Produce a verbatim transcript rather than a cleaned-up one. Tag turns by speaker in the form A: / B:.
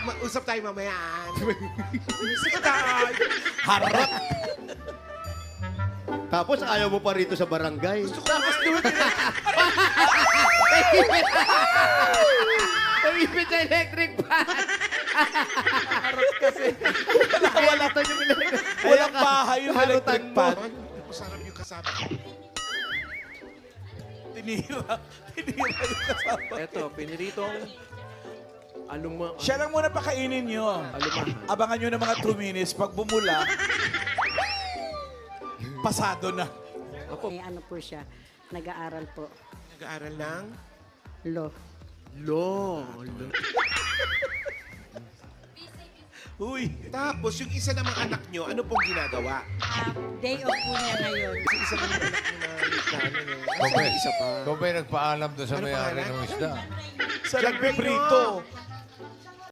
A: mag-usap tayo mamaya.
B: Sige tayo. Harap.
C: Tapos ayaw mo pa rito sa barangay.
A: Gusto ko mas doon.
C: Naipit sa electric fan.
B: Wala, wala. Walang bahay yung electric fan.
A: Masarap yung kasama.
B: Tinira. Tinira yung kasama.
D: Eto, piniritong aluma...
B: Siya lang muna pakainin nyo.
D: Alumahan.
B: Abangan nyo ng mga two minutes. Pag bumula, pasado na.
D: Apo,
E: May ano po siya, nag-aaral po,
A: Nag-aaral ng...
E: law.
D: lo. lo.
B: Uy.
A: Tapos, yung isa namang anak nyo, ano pong ginagawa?
E: Ah, day off po niya ngayon.
A: Kasi isa namang anak nyo na nagkano eh.
F: Okay.
A: Isa pa.
F: Ikaw ba'y nagpaalam doon sa
A: Ano
F: may-ari
A: pangalan?
F: ng isda?
B: Sa nagpiprito.